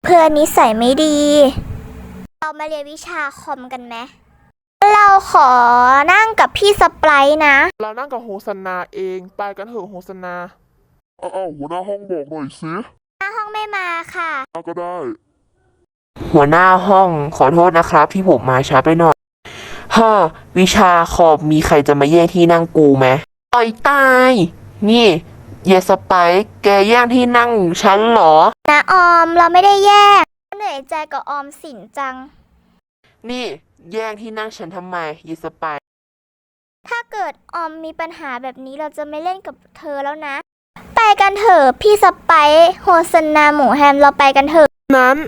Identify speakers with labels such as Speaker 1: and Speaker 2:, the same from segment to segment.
Speaker 1: พื่อนนิสัยไม่ดี เรามาเรียนวิชาคอมกันไหมเราขอนั่งกับพี่สไปร์นะ
Speaker 2: เรานั่งกับโฮสนาเองไปกันเถอะโฮสนา
Speaker 3: หัวหน้าห้องบอกหน่อยสิ
Speaker 1: ห้องไม่มาค่ะ
Speaker 3: ก็ได้
Speaker 4: หัวหน้าห้องขอโทษนะครับที่ผมมาช้าไปหน่อยวิชาคอมมีใครจะมาแย่งที่นั่งกูไหมต่อยตายนี่เยสไปร์แกแย่งที่นั่งฉันเหรอ
Speaker 1: นะออมเราไม่ได้แยกเหนื่อยใจกับออมสินจัง
Speaker 4: นี่แย่งที่นั่งฉันทำไมเยสไปร์
Speaker 1: ถ้าเกิดออมมีปัญหาแบบนี้เราจะไม่เล่นกับเธอแล้วนะไปกันเถอะพี่สไปร์โฮสนาหมูแฮมเราไปกันเถอะ
Speaker 2: นั้น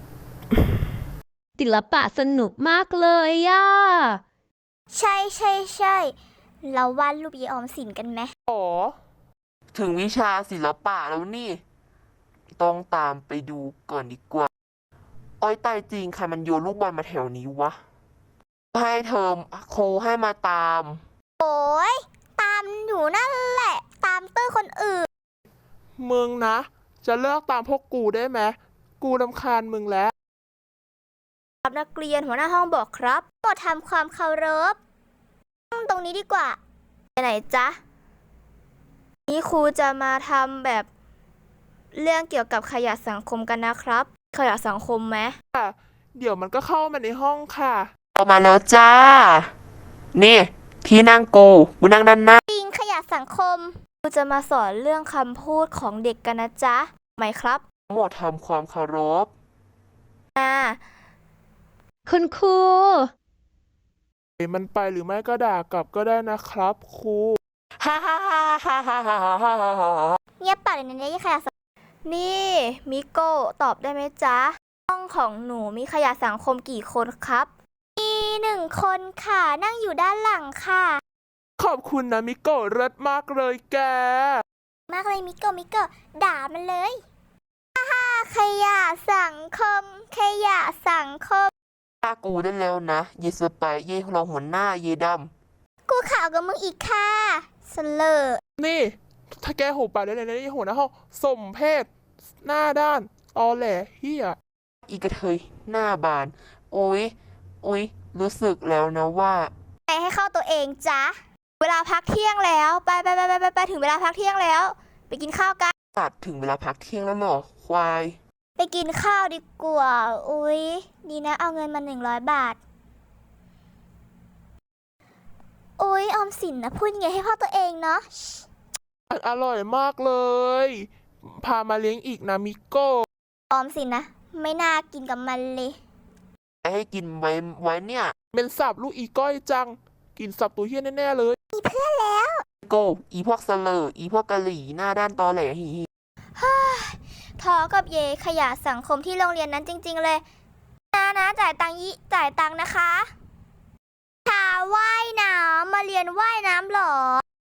Speaker 5: ศิลปะสนุกมากเลยย่า
Speaker 1: ใช่เราวาดรูปยายออมสินกันไหม
Speaker 4: ถึงวิชาศิลปะแล้วนี่ต้องตามไปดูก่อนดีกว่าอ้อยตายจริงใครมันโยนลูกบอลมาแถวนี้วะให้เทอมโคให้มาตาม
Speaker 1: โอ้ยตามอยู่นั่นแหละตามเตอร์คนอื่น
Speaker 2: มึงนะจะเลิกตามพวกกูได้ไหมกูรำคาญมึงแล้ว
Speaker 1: ครับนักเรียนหัวหน้าห้องบอกครับโปรดทำความเคารพตรงนี้ดีกว่าไปไหนจ๊ะนี่ครูจะมาทำแบบเรื่องเกี่ยวกับขยะสังคมกันนะครับขยะสังคมไหม
Speaker 2: เดี๋ยวมันก็เข้ามาในห้องค่ะ
Speaker 4: ออกมาแล้วจ้านี่ที่นั่งกูนั่งด้านหน้า
Speaker 1: ปิงขยะสังคมครูจะมาสอนเรื่องคำพูดของเด็กกันนะจ๊ะไหมครับ
Speaker 4: หมดทำความเคารพ
Speaker 5: คุณครู
Speaker 2: มันไปหรือไม่ก็ด่ากลับก็ได้นะครับครู
Speaker 1: เงียบปากเลยนะเนี่ยขยะนี่มิโกะตอบได้ไหมจ๊ะห้องของหนูมีขยะสังคมกี่คนครับมี1 คนค่ะนั่งอยู่ด้านหลังค่ะ
Speaker 2: ขอบคุณนะมิโกะเลิศมากเลยแก
Speaker 1: มากเลยมิโกะด่ามันเลยขยะสังคมขยะสังคม
Speaker 4: ฆ่ากูได้แล้วนะเยสไปเย่รองหัวหน้าเยด
Speaker 1: ำกูข่าวกับมึงอีกค่ะสเลอ
Speaker 2: นี่ถ้าแกหูปากได้เลยนะหัวหน้าห้องสมเพศหน้าด้านตอแหลเฮีย
Speaker 4: อีกระเทยหน้าบานโอ้ยรู้สึกแล้วนะว่า
Speaker 1: ให้เข้าตัวเองจ๊ะเวลาพักเที่ยงแล้วไปถึงเวลาพักเที่ยงแล้วไปกินข้าวกัน
Speaker 4: ตัดถึงเวลาพักเที่ยงแล้วหรอควาย
Speaker 1: ไปกินข้าวดีกว่าอุ๊ยดีนะเอาเงินมา100 บาทอุ๊ยออมสินนะพูดไงให้พ่อตัวเองเนาะ
Speaker 2: อร่อยมากเลยพามาเลี้ยงอีกนะมิโก้
Speaker 1: ออมสินนะไม่น่ากินกับมันเลย
Speaker 4: ให้กินไว้เนี่ย
Speaker 2: เป็นสับลูกอีก้อยจังกินสับตัวเฮี้ยแน่ๆเลย
Speaker 1: มีเพื่อนแล้ว
Speaker 4: โกอีพวกเสลออีพวกกะหรี่หน้าด้านตอแหลฮี
Speaker 1: ทอกับเยขยะสังคมที่โรงเรียนนั้นจริงๆเลยนะจ่ายตังค์นะคะชาว่ายน้ำมาเรียนว่ายน้ำหรอ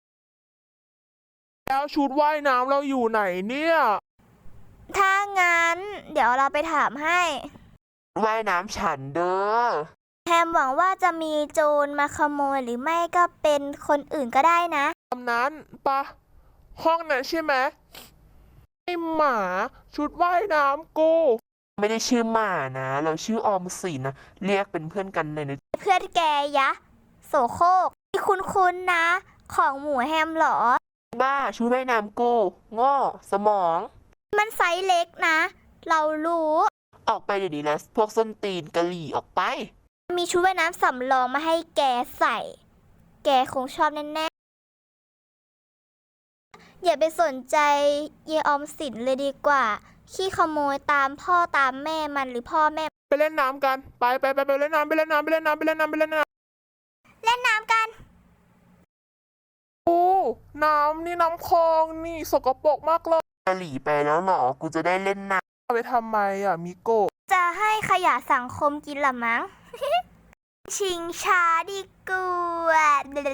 Speaker 2: แล้วชุดว่ายน้ำเราอยู่ไหนเนี่ย
Speaker 1: ถ้างั้นเดี๋ยวเราไปถามให้
Speaker 4: ว่ายน้ำฉันเด้อ
Speaker 1: แฮมหวังว่าจะมีโจรมาขโมยหรือไม่ก็เป็นคนอื่นก็ได้นะ
Speaker 2: ตำนั้นปะห้องนั้นใช่ไหมไอหมาชุดว่ายน้ำกู
Speaker 4: ไม่ได้ชื่อหมานะเราชื่อออมสินนะเรียกเป็นเพื่อนกันเลยนะ
Speaker 1: เพื่อนแกยะโสโครกที่คุ้นๆนะของหมูแฮมหรอ
Speaker 4: บ้าชุดว่ายน้ำกูง้อสมอง
Speaker 1: มันไซส์เล็กนะเรารู้
Speaker 4: ออกไปเดี๋ยวนี้นะพวกส้นตีนกะหรี่ออกไป
Speaker 1: มีชุดว่ายน้ำสำรองมาให้แกใส่แกคงชอบแน่ๆอย่าไปสนใจเยออมสินเลยดีกว่าขี้ขโมยตามพ่อตามแม่มันหรือพ่อแม่
Speaker 2: ไปเล่นน้ำกันไปเล่นน้ำไปเล่นน้ำไปเล่นน้ำเล่นน้ำ
Speaker 1: กัน
Speaker 2: โอ้น้ำนี่น้ำคลองนี่สกปรกมากเลย
Speaker 4: กะหรี่ไปแล้วหรอกูจะได้เล่นน้
Speaker 2: ำไปทำไมอ่ะมิโกะ
Speaker 1: จะให้ขยะสังคมกินละมั้งชิงช้าดีกว่า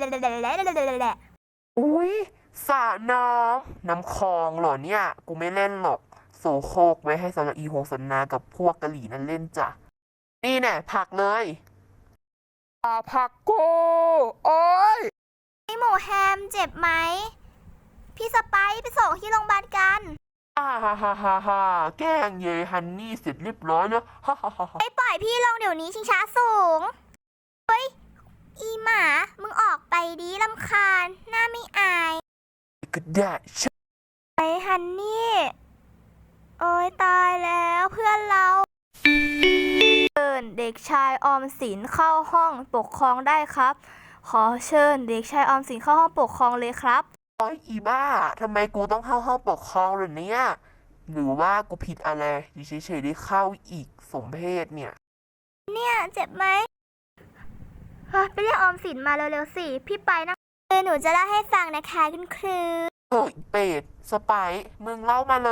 Speaker 4: อุ้ยสระน้ำคลองเหรอเนี่ยกูไม่เล่นหรอกโสโครกไว้ให้สำหรับอีโฮสนากับพวกกะหรี่นั่นเล่นจ้ะนี่แน่ผักเลย
Speaker 2: ผักกูโอ้ย
Speaker 1: ไอหมูแฮมเจ็บไหมพี่สไปร์ไปส่งที่โรงพยาบาลกัน
Speaker 4: ฮ่าฮ่าฮ่าฮ่าแกล้งเยฮันนี่เสร็จเรียบร้อยแล้วฮ่าฮ่าฮ่าฮ่า
Speaker 1: ไปปล่อยพี่ลงเดี๋ยวนี้ชิงช้าสูง เฮ้ย อีหมา มึงออกไปดีรำคาญ หน้าไม่อาย
Speaker 4: ก็ได้ใช่
Speaker 1: ไปฮันนี่ โอ้ยตายแล้วเพื่อนเราเชิญเด็กชายออมสินเข้าห้องปกครองได้ครับ ขอเชิญเด็กชายออมสินเข้าห้องปกครองเลยครับ
Speaker 4: โอ้ยอีบ้าทำไมกูต้องเข้าห้องปกครองเลยเนี่ยหรือว่ากูผิดอะไรอยู่เฉยๆได้เข้าอีกสมเพศเนี่ย
Speaker 1: เนี่ยเจ็บไหมไปเรียกออมสินมาเร็วๆสิ พี่ไปนะหนูจะเล่าให้ฟังนะคะคุณครู
Speaker 4: โอ้ยเป็ดสไปซ์มึงเล่ามาเลย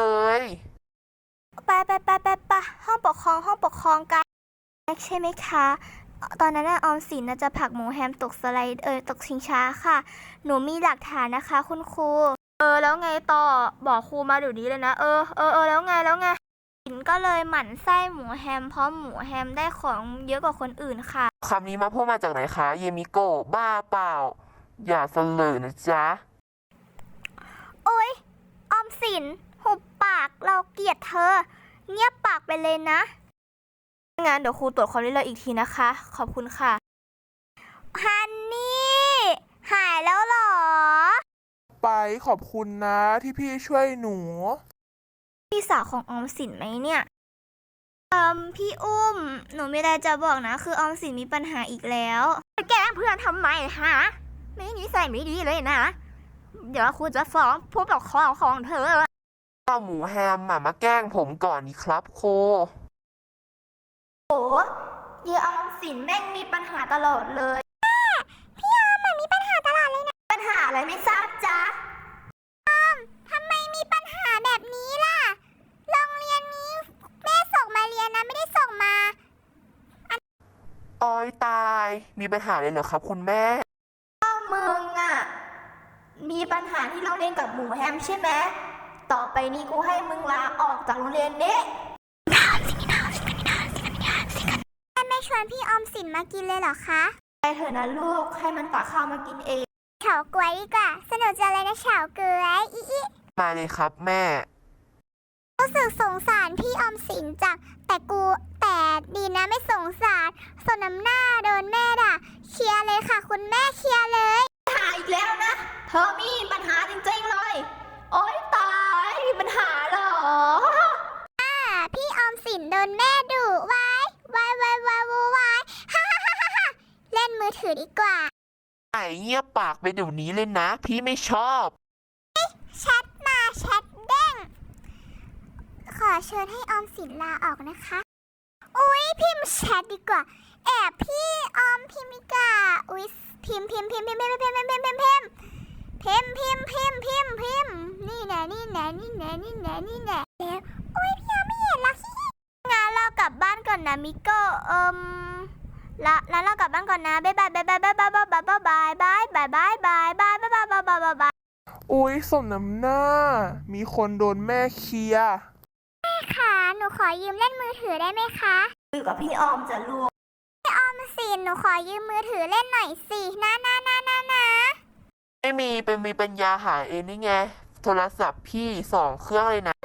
Speaker 1: ไปห้องปกครองกันใช่ไหมคะ ตอนนั้นออมสินจะผลักหมูแฮมตกสไลด์ตกชิงช้าค่ะ หนูมีหลักฐานนะคะคุณครูแล้วไงต่อบอกครูมาเดี๋ยวนี้เลยนะแล้วไงสินก็เลยหมั่นไส้หมูแฮมเพราะหมูแฮมได้ของเยอะกว่าคนอื่นค่ะ
Speaker 4: คำนี้มาพูดมาจากไหนคะ เยมิโกะบ้าเปล่า อย่าเสลอนะจ๊ะ
Speaker 1: โอ๊ยออมสินหุบปากเราเกลียดเธอ เงียบปากไปเลยนะงั้นเดี๋ยวครูตรวจความเรียบร้อยอีกทีนะคะ ขอบคุณค่ะฮันนี่หายแล้วเหรอ
Speaker 2: ไปขอบคุณนะที่พี่ช่วยหนู
Speaker 1: พี่สาวของออมสินไหมเนี่ยพี่อุ้ม หนูมีอะไรจะบอกนะ คือออมสินมีปัญหาอีกแล้วแกล้งเพื่อนทำไมฮะไม่นิสัยไม่ดีเลยนะ เดี๋ยวครูจะฟ้องผู้ปกครองของเธอ
Speaker 4: เอาหมูแฮมมาแกล้งผมก่อนนี่ครับโค
Speaker 1: โอ้เยออมสินแม่งมีปัญหาตลอดเลยพี่ออมมันมีปัญหาตลอดเลยนะปัญหาอะไรไม่ทราบจ๊ะทำไมมีปัญหาแบบนี้ล่ะโรงเรียนนี้แม่ส่งมาเรียนนะไม่ได้ส่งมา
Speaker 4: อ้อยตาย มีปัญหาเลยเหรอครับคุณแม่
Speaker 1: มึงอ่ะมีปัญหาที่โรงเรียนกับหมูแฮมใช่ไหมต่อไปนี้กูให้มึงลาออกจากโรงเรียนนี้แม่ชวนพี่ออมสินมากินเลยเหรอคะไปเถอะนะลูกให้มันตักข้าวมากินเองเฉาก๊วยดีกว่าสนุกจังเลยนะเฉาก๊วยอี
Speaker 4: มาเลยครับแม่
Speaker 1: รู้สึกสงสารพี่ออมสินจังแต่ดีนะไม่สงสารสนน้ำหน้าโดนแม่ด่าเคลียร์เลยค่ะคุณแม่เคลียร์เลยปัญหาอีกแล้วนะเธอมีปัญหาจริงๆเลยโอ๊ยตายมีปัญหาเหรอพี่ออมสินโดนแม่ดุวายฮ่าเล่นมือถือดีกว่า
Speaker 4: ไอ้เงียบปากไปเดี๋ยวนี้เลยนะ พี่ไม่ชอบ
Speaker 1: แชทมาแชทเด้งขอเชิญให้ออมสินลาออกนะคะอุ๊ยพิมพ์แชทดีกว่าแอบพี่ออมพิมพ์ดีกว่าอุ๊ยพิมพ์นี่แน่แล้วอุ๊ยพี่ออมไม่เห็นละงั้นเรากลับบ้านก่อนนะมิโก้แล้วเรากลับบ้านก่อนนะบ๊ายบาย
Speaker 2: อุ๊ยสมน้ำหน้า มีคนโดนแม่เคลียร์
Speaker 1: ค่ะหนูขอยืมเล่นมือถือได้ไหมคะอยู่กับพี่ออมจะลูกพี่ออมสินหนูขอยืมมือถือเล่นหน่อยสินะ
Speaker 4: ไม่มีเป็นมีปัญญาหาเองนี่ไง โทรศัพท์พี่2 เครื่องเลยนะ